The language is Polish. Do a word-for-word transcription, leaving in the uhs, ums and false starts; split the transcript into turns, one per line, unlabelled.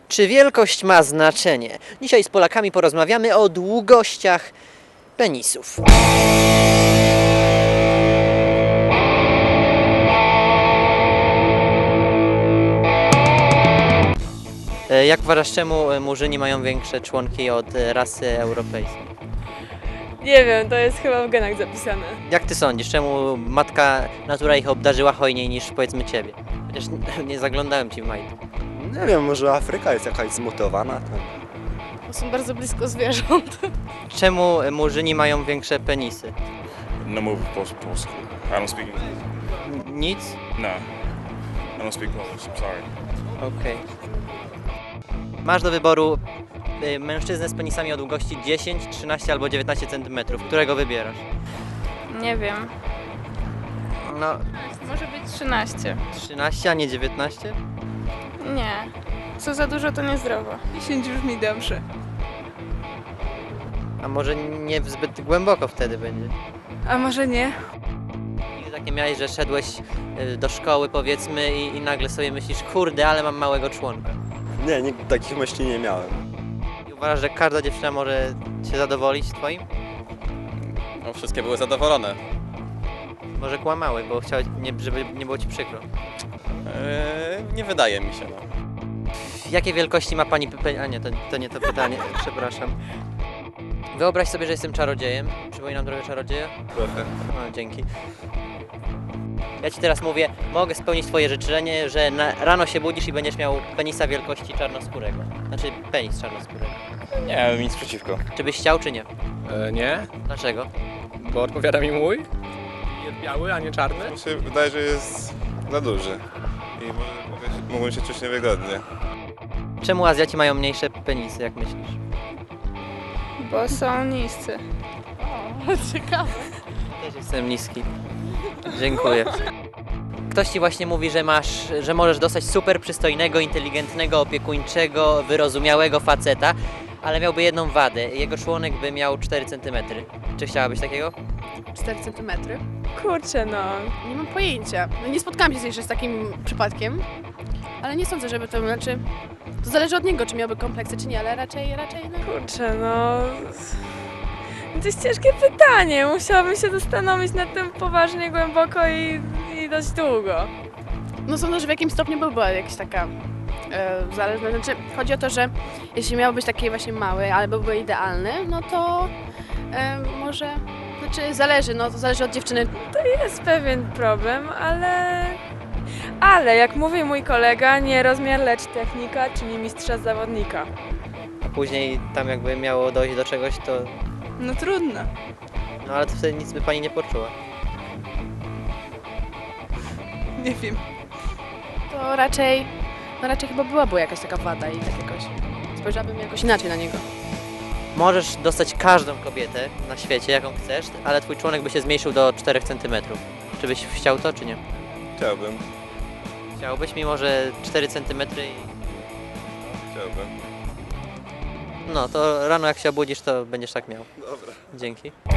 Czy wielkość ma znaczenie? Dzisiaj z Polakami porozmawiamy o długościach penisów. E, Jak uważasz, czemu Murzyni mają większe członki od rasy europejskiej?
Nie wiem, to jest chyba w genach zapisane.
Jak ty sądzisz, czemu matka natura ich obdarzyła hojniej niż powiedzmy ciebie? Chociaż nie zaglądałem ci w majtki.
Nie wiem, może Afryka jest jakaś zmutowana. Tam.
Bo są bardzo blisko zwierząt.
Czemu Murzyni mają większe penisy?
No move po polsku. I don't speak English.
N- Nic?
No. I don't speak Polish. I'm sorry.
Okej. Masz do wyboru y, mężczyznę z penisami o długości dziesięć, trzynaście albo dziewiętnaście centymetrów. Którego wybierasz?
Nie wiem.
No,
Może być trzynaście.
trzynaście, a nie dziewiętnaście?
Nie. Co za dużo, to niezdrowo.
dziesięć brzmi dobrze.
A może nie zbyt głęboko wtedy będzie?
A może nie?
Nigdy tak nie miałeś, że szedłeś y, do szkoły powiedzmy i, i nagle sobie myślisz, kurde, ale mam małego członka.
Nie, nigdy takich myśli nie miałem.
I uważasz, że każda dziewczyna może się zadowolić twoim?
No, wszystkie były zadowolone.
Może kłamały, bo chciałeś, nie, żeby nie było ci przykro.
Eee, nie wydaje mi się, no.
Jakiej wielkości ma pani pe... A nie, to, to nie to pytanie, przepraszam. Wyobraź sobie, że jestem czarodziejem. Przypominam drogę czarodzieja?
Trochę.
No, dzięki. Ja ci teraz mówię, mogę spełnić twoje życzenie, że na, rano się budzisz i będziesz miał penisa wielkości czarnoskórego. Znaczy penis czarnoskórego.
Nie, nic przeciwko.
Czy byś chciał, czy nie?
E, nie,
Dlaczego?
bo odpowiada mi mój. Jest biały, a nie czarny.
Mi się wydaje, że jest za duży. I może mogę się, mógłbym się czuć niewygodnie.
Czemu Azjaci mają mniejsze penisy, jak myślisz?
Bo są niscy.
Ciekawe.
Też jestem niski. Dziękuję. Ktoś ci właśnie mówi, że masz, że możesz dostać super przystojnego, inteligentnego, opiekuńczego, wyrozumiałego faceta, ale miałby jedną wadę. Jego członek by miał cztery centymetry. Czy chciałabyś takiego?
cztery centymetry?
Kurczę, no.
Nie mam pojęcia. No nie spotkałam się jeszcze z takim przypadkiem, ale nie sądzę, żeby to, znaczy... To zależy od niego, czy miałby kompleksy, czy nie, ale raczej, raczej no...
Kurczę, no. To jest ciężkie pytanie. Musiałabym się zastanowić nad tym poważnie, głęboko i, i dość długo.
No sądzę, że w jakimś stopniu by była jakaś taka e, zależna. Znaczy, chodzi o to, że jeśli miałby być taki właśnie mały, ale byłby idealny, no to e, może, znaczy zależy, no to zależy od dziewczyny.
To jest pewien problem, ale... Ale, jak mówi mój kolega, nie rozmiar, lecz technika, czyli mistrza zawodnika.
A później tam jakby miało dojść do czegoś, to...
No trudno.
No ale to wtedy nic by pani nie poczuła.
Nie wiem. To raczej, no raczej chyba byłaby jakaś taka wada i tak jakoś, spojrzałabym jakoś inaczej na niego.
Możesz dostać każdą kobietę na świecie, jaką chcesz, ale twój członek by się zmniejszył do czterech centymetrów. Czy byś chciał to, czy nie?
Chciałbym.
Chciałbyś, mimo że cztery centymetry i...
Chciałbym.
No, to rano jak się obudzisz, to będziesz tak miał.
Dobra.
Dzięki.